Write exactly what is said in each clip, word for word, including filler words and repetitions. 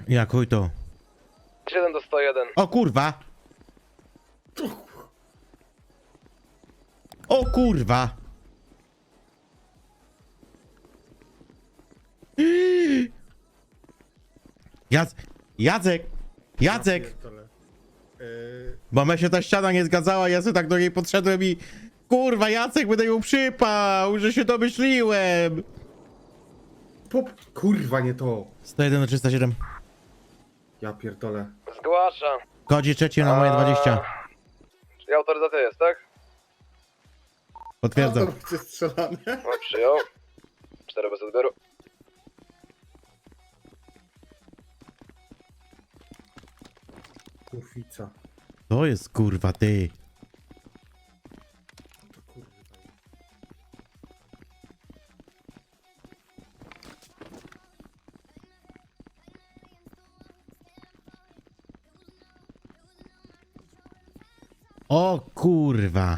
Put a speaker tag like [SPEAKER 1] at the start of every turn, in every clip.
[SPEAKER 1] Jak chuj to?
[SPEAKER 2] siedem do sto jeden.
[SPEAKER 1] O kurwa! O kurwa! Jacek! Jacek! Jacek!
[SPEAKER 3] Yy,
[SPEAKER 1] Bo me się ta ściana nie zgadzała, ja sobie tak do niej podszedłem i... Kurwa, Jacek, będę ją przypał, że się domyśliłem!
[SPEAKER 3] pop... Kurwa, nie to.
[SPEAKER 1] sto jeden do trzysta siedem.
[SPEAKER 3] Ja pierdolę.
[SPEAKER 2] Zgłaszam.
[SPEAKER 1] Kodzi trzeci na moje dwadzieścia.
[SPEAKER 2] Czyli autoryzacja jest, tak?
[SPEAKER 1] Potwierdzam.
[SPEAKER 3] Chce strzelanie.
[SPEAKER 2] No, przyjął. cztery bez odbioru.
[SPEAKER 3] Kurwica.
[SPEAKER 1] To jest kurwa ty.
[SPEAKER 3] To kurwa.
[SPEAKER 1] O kurwa.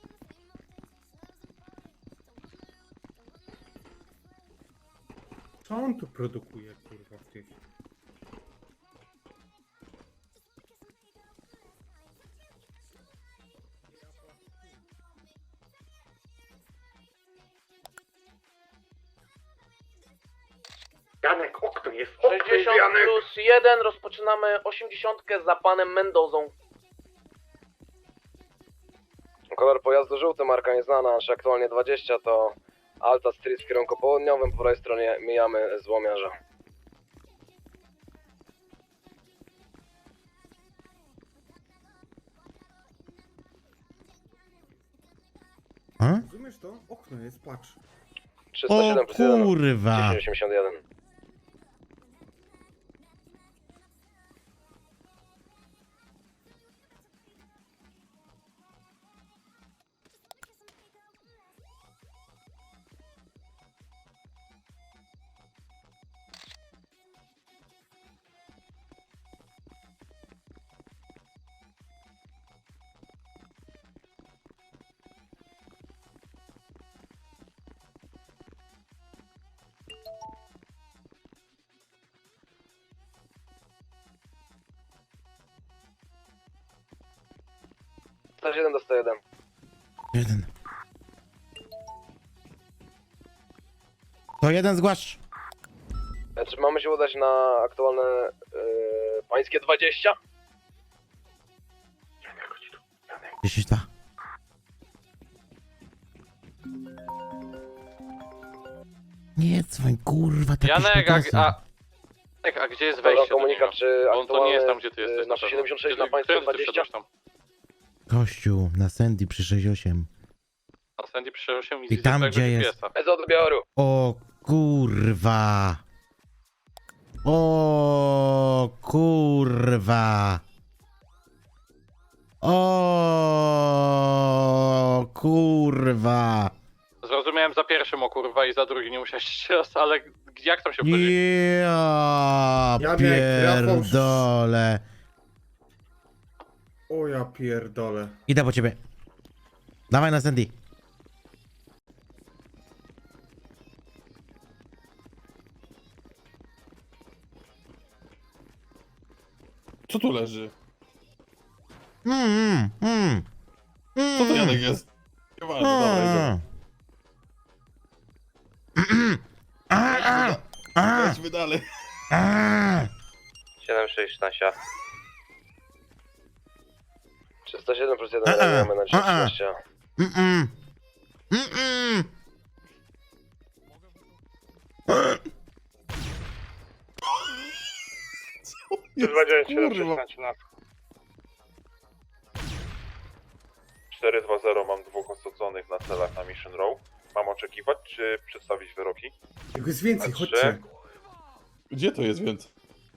[SPEAKER 3] Co on tu produkuje, kurwa, w tych... Janek, okno jest.
[SPEAKER 2] sześćdziesiąt plus jeden, rozpoczynamy osiemdziesiąt za panem Mendozą. Kolor pojazdu żółty, marka nieznana, nasz aktualnie dwadzieścia to Alta Street w kierunku południowym, po prawej stronie mijamy złomiarza.
[SPEAKER 1] A?
[SPEAKER 3] Rozumiesz to? Okno jest, patrz.
[SPEAKER 2] trzysta
[SPEAKER 1] O
[SPEAKER 2] siedem plus jeden,
[SPEAKER 1] kurwa.
[SPEAKER 2] dziesięć osiemdziesiąt jeden. sto siedem do sto jeden.
[SPEAKER 1] Jeden. To jeden zgłasz.
[SPEAKER 2] Czy mamy się udać na aktualne yy, pańskie dwadzieścia?
[SPEAKER 1] dziesięć dwa. Nie dzwoń, kurwa, taki
[SPEAKER 4] Janek, a,
[SPEAKER 1] szpetosem.
[SPEAKER 4] a, Janek, a gdzie jest
[SPEAKER 2] Dobra,
[SPEAKER 4] wejście do
[SPEAKER 2] komunikat,
[SPEAKER 4] niego?
[SPEAKER 2] czy
[SPEAKER 4] Bo on to nie jest tam,
[SPEAKER 2] aktualny,
[SPEAKER 4] gdzie ty
[SPEAKER 2] yy,
[SPEAKER 4] jesteś.
[SPEAKER 2] na
[SPEAKER 4] pewno.
[SPEAKER 2] siedemdziesiąt sześć
[SPEAKER 4] Kiedy-
[SPEAKER 2] na pańskie
[SPEAKER 4] którym ty
[SPEAKER 2] dwadzieścia?
[SPEAKER 4] wszedłeś tam?
[SPEAKER 1] Kościół, na Sandy przy sześćdziesiąt osiem.
[SPEAKER 4] A Sandy przyszedł się
[SPEAKER 1] I tam, gdzie jest-
[SPEAKER 2] Bez odbioru.
[SPEAKER 1] O kurwa. O kurwa. O kurwa.
[SPEAKER 4] Zrozumiałem za pierwszym o kurwa i za drugim nie musiałeś jeszcze raz, ale jak tam się wchodzi?
[SPEAKER 1] Ja
[SPEAKER 3] Janek,
[SPEAKER 1] pierdolę.
[SPEAKER 3] O ja pierdolę.
[SPEAKER 1] Idę po ciebie. Dawaj na Sandy.
[SPEAKER 5] Co tu leży?
[SPEAKER 1] Mm, mm, mm.
[SPEAKER 5] Co to Janek jest? Nieważne, dobra, idziemy.
[SPEAKER 1] A, a, a,
[SPEAKER 5] Lećmy dalej.
[SPEAKER 1] a.
[SPEAKER 2] siedem sześć Nasia. trzysta siedem plus jeden,
[SPEAKER 1] A, a,
[SPEAKER 2] mamy na
[SPEAKER 1] a, a.
[SPEAKER 2] trzysta.
[SPEAKER 1] Mm, mm. Mm, mm.
[SPEAKER 5] Kurwa.
[SPEAKER 6] cztery dwa zero, mam dwóch osadzonych na celach na Mission Row. Mam oczekiwać, czy przedstawić wyroki?
[SPEAKER 3] Jego jest więcej,
[SPEAKER 6] Trzy.
[SPEAKER 3] chodźcie.
[SPEAKER 5] Gdzie to jest więc?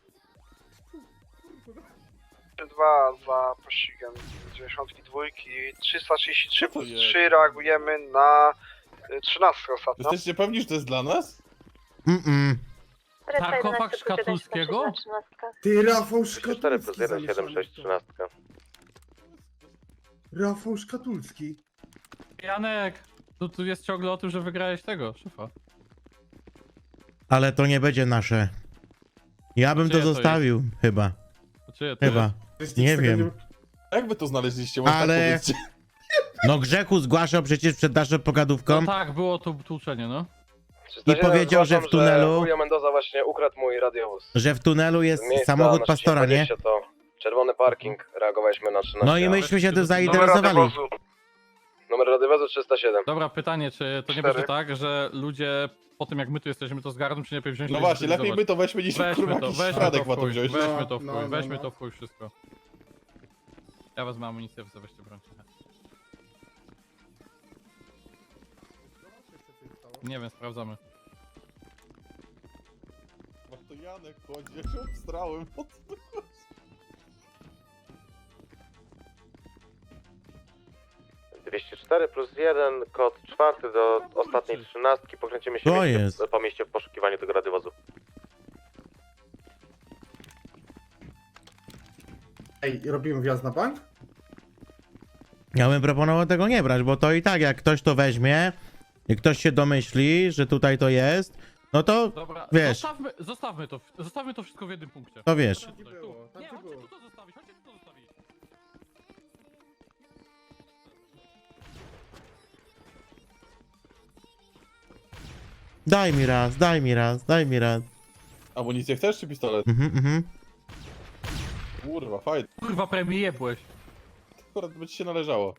[SPEAKER 7] dwa za pościgiem dziewięćdziesiąt dwa, trzysta trzydzieści trzy
[SPEAKER 5] Co to
[SPEAKER 7] plus
[SPEAKER 5] jest?
[SPEAKER 7] trzy reagujemy na y, trzynastkę ostatnio.
[SPEAKER 5] Jesteście pewni, że to jest dla nas?
[SPEAKER 1] Mm, mm.
[SPEAKER 8] Sarkofag Szkatulskiego?
[SPEAKER 3] Ty, Rafał
[SPEAKER 2] cztery plus
[SPEAKER 3] Szkatulski
[SPEAKER 2] jeden, siedem
[SPEAKER 3] zamieszany
[SPEAKER 2] sześć
[SPEAKER 3] w to.
[SPEAKER 2] trzynaście.
[SPEAKER 3] Rafał Szkatulski.
[SPEAKER 8] Janek, tu, tu jest ciągle o tym, że wygrałeś tego, szefa.
[SPEAKER 1] Ale to nie będzie nasze. Ja bym to
[SPEAKER 8] Czyje to
[SPEAKER 1] zostawił, chyba.
[SPEAKER 8] Czyje to jest?
[SPEAKER 1] Chyba.
[SPEAKER 3] Przecież
[SPEAKER 1] Nie
[SPEAKER 3] nic z tego
[SPEAKER 1] wiem.
[SPEAKER 5] Jak wy to znaleźliście? Może
[SPEAKER 1] Ale-
[SPEAKER 5] tak powiedzcie.
[SPEAKER 1] No Grzechu zgłaszał przecież przed naszą pogadówką,
[SPEAKER 8] No tak, było to tłuczenie, no.
[SPEAKER 2] trzysta siedem,
[SPEAKER 1] powiedział, że w
[SPEAKER 2] zgłaszam,
[SPEAKER 1] tunelu-
[SPEAKER 2] Julio Mendoza właśnie ukradł mój radiowóz.
[SPEAKER 1] że w tunelu jest
[SPEAKER 2] Z miejsca
[SPEAKER 1] samochód
[SPEAKER 2] na
[SPEAKER 1] pastora, nie?
[SPEAKER 2] dwadzieścia to czerwony parking, reagowaliśmy na trzynaście.
[SPEAKER 1] No i myśmy się tym
[SPEAKER 7] Numer
[SPEAKER 1] zainteresowali.
[SPEAKER 7] radiowozu.
[SPEAKER 2] Numer radiowozu trzysta siedem.
[SPEAKER 8] Dobra, pytanie, czy to nie
[SPEAKER 7] Cztery.
[SPEAKER 8] będzie tak, że ludzie po tym jak my tu jesteśmy to zgarną, czy lepiej wziąć
[SPEAKER 5] No
[SPEAKER 8] to i
[SPEAKER 5] właśnie, lepiej
[SPEAKER 8] zutylizować?
[SPEAKER 5] my to weźmy niż
[SPEAKER 8] Weźmy
[SPEAKER 5] kurwa
[SPEAKER 8] to,
[SPEAKER 5] jakiś
[SPEAKER 8] weźmy
[SPEAKER 5] Radek
[SPEAKER 8] to
[SPEAKER 5] ma
[SPEAKER 8] w
[SPEAKER 5] to
[SPEAKER 8] chuj,
[SPEAKER 5] wziąć.
[SPEAKER 8] weźmy to w
[SPEAKER 3] No,
[SPEAKER 8] chuj,
[SPEAKER 3] no,
[SPEAKER 8] weźmy
[SPEAKER 3] no.
[SPEAKER 8] to w chuj wszystko. Ja wezmę amunicję, wy weźcie broń. Nie wiem, sprawdzamy.
[SPEAKER 5] No to Janek chodzi, ja się obstrałem. O co to chodzi?
[SPEAKER 9] dwieście cztery plus jeden, kod czwarty do ostatniej trzynastki. Pokręcimy się
[SPEAKER 1] To
[SPEAKER 9] mieście,
[SPEAKER 1] jest.
[SPEAKER 9] po mieście w poszukiwaniu tego radiowozu.
[SPEAKER 3] Ej, robimy wjazd na bank?
[SPEAKER 1] Ja bym proponował tego nie brać, bo to i tak jak ktoś to weźmie, jak ktoś się domyśli, że tutaj to jest, no to,
[SPEAKER 8] Dobra,
[SPEAKER 1] Wiesz.
[SPEAKER 8] Zostawmy, zostawmy to, zostawmy to wszystko w jednym punkcie.
[SPEAKER 1] to wiesz.
[SPEAKER 3] Tam
[SPEAKER 8] Tutaj,
[SPEAKER 3] gdzie
[SPEAKER 8] tu.
[SPEAKER 3] było, tam
[SPEAKER 8] Nie,
[SPEAKER 3] gdzie
[SPEAKER 8] chodźcie
[SPEAKER 3] było.
[SPEAKER 8] tu to zostawić, chodźcie tu to zostawić.
[SPEAKER 1] Daj mi raz, daj mi raz, daj mi raz.
[SPEAKER 5] Amunicję chcesz czy pistolet?
[SPEAKER 1] Mhm, mhm.
[SPEAKER 5] Kurwa, fajnie.
[SPEAKER 8] Kurwa, premie jebłeś.
[SPEAKER 5] Akurat by ci się należało.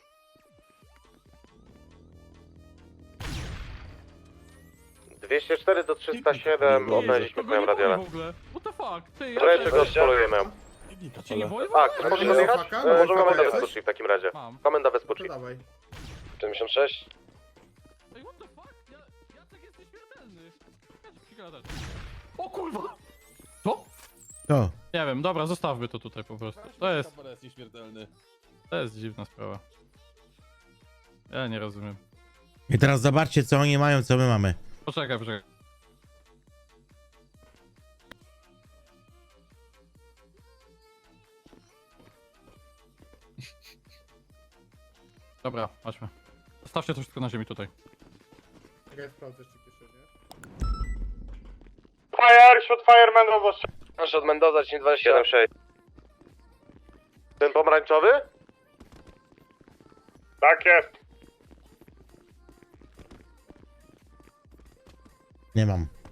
[SPEAKER 9] dwieście cztery do trzysta siedem,
[SPEAKER 5] Nie,
[SPEAKER 9] odnaleźliśmy
[SPEAKER 8] Kogo
[SPEAKER 9] twoją
[SPEAKER 8] nie boi
[SPEAKER 9] radiolę.
[SPEAKER 8] w ogóle? What the fuck? Ty, ja
[SPEAKER 9] Wreszcie
[SPEAKER 8] cię-
[SPEAKER 9] go spolujemy.
[SPEAKER 5] Pilnika,
[SPEAKER 8] cię nie
[SPEAKER 5] ale-
[SPEAKER 8] boi w
[SPEAKER 9] A,
[SPEAKER 8] ogóle?
[SPEAKER 9] chcesz
[SPEAKER 3] Ale
[SPEAKER 9] może
[SPEAKER 3] nie
[SPEAKER 9] jechać?
[SPEAKER 3] faka?
[SPEAKER 9] E,
[SPEAKER 3] Mamy
[SPEAKER 9] Możemy
[SPEAKER 3] faka
[SPEAKER 9] komendę
[SPEAKER 3] jakaś?
[SPEAKER 9] Wespucci w takim razie.
[SPEAKER 8] Mam.
[SPEAKER 9] Komenda
[SPEAKER 3] To
[SPEAKER 9] Wespucci.
[SPEAKER 3] dawaj.
[SPEAKER 2] siedemdziesiąt sześć.
[SPEAKER 8] Ej, what the fuck? Ja, Jacek jesteś śmiertelny. Ja ci przygadać. O kurwa! Co?
[SPEAKER 1] To.
[SPEAKER 8] Nie wiem, dobra, zostawmy to tutaj po prostu. To jest,
[SPEAKER 5] Kamera jest nieśmiertelny.
[SPEAKER 8] to jest dziwna sprawa. Ja nie rozumiem.
[SPEAKER 1] I teraz zobaczcie, co oni mają, co my mamy.
[SPEAKER 8] Poczekaj, poczekaj. Dobra, chodźmy. Zostawcie to wszystko na ziemi tutaj.
[SPEAKER 3] Czekaj, sprawdzę jeszcze kieszenie.
[SPEAKER 7] Fire, shot fireman robot.
[SPEAKER 2] Nasz od Mendoza, dzień dwadzieścia
[SPEAKER 9] siedem sześć. Ten pomarańczowy?
[SPEAKER 7] Tak jest.
[SPEAKER 1] Nie mam.